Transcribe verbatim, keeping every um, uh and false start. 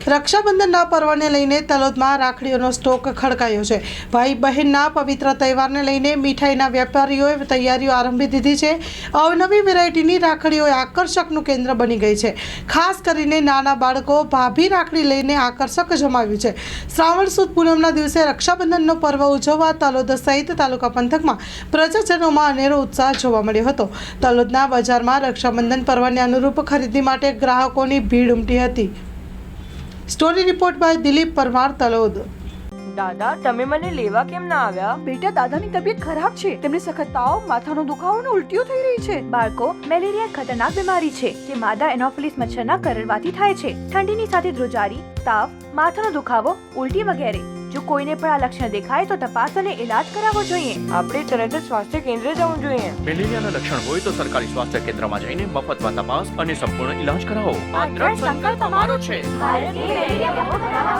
રક્ષાબંધનના પર્વને લઈને તલોદમાં રાખડીઓનો સ્ટોક ખડકાયો છે। ભાઈ બહેનના પવિત્ર તહેવારને લઈને મીઠાઈના વેપારીઓએ તૈયારીઓ આરંભી દીધી છે। અવનવી વેરાયટીની રાખડીઓ આકર્ષકનું કેન્દ્ર બની ગઈ છે। ખાસ કરીને નાના બાળકો ભાભી રાખડી લઈને આકર્ષક જમાવ્યું છે। શ્રાવણ સુદ પૂનમના દિવસે રક્ષાબંધનનો પર્વ ઉજવવા તલોદ સહિત તાલુકા પંથકમાં પ્રજાજનોમાં અનેરો ઉત્સાહ જોવા મળ્યો હતો। તલોદના બજારમાં રક્ષાબંધન પર્વને અનુરૂપ ખરીદી માટે ગ્રાહકોની ભીડ ઉમટી હતી। Story report by Dilip Parmar, Talod. દાદા, તમે મને લેવા કેમ ના આવ્યા? બેટા, દાદાની તબિયત ખરાબ છે। તેમને સખત તાવ, માથાનો દુખાવો અને ઉલટીઓ થઈ રહી છે। બાળકો, મેલેરિયા ખતરનાક બીમારી છે જે માદા એનોફિલિસ મચ્છરના કરડવાથી થાય છે। ઠંડીની સાથે ધ્રુજારી, તાવ, માથાનો દુખાવો, ઉલટી વગેરે। જો કોઈને પણ આ લક્ષણ દેખાય તો તપાસ અને ઇલાજ કરાવવો જોઈએ। આપણે તરત જ સ્વાસ્થ્ય કેન્દ્ર જવું જોઈએ। મેલેરિયાના લક્ષણ હોય તો સરકારી સ્વાસ્થ્ય કેન્દ્રમાં જઈને મફતમાં તપાસ અને સંપૂર્ણ ઇલાજ કરાવો। આ દ્રઢ સંકલ્પ અમારો છે। ભારતની મેલેરિયા મુક્ત બનાવવા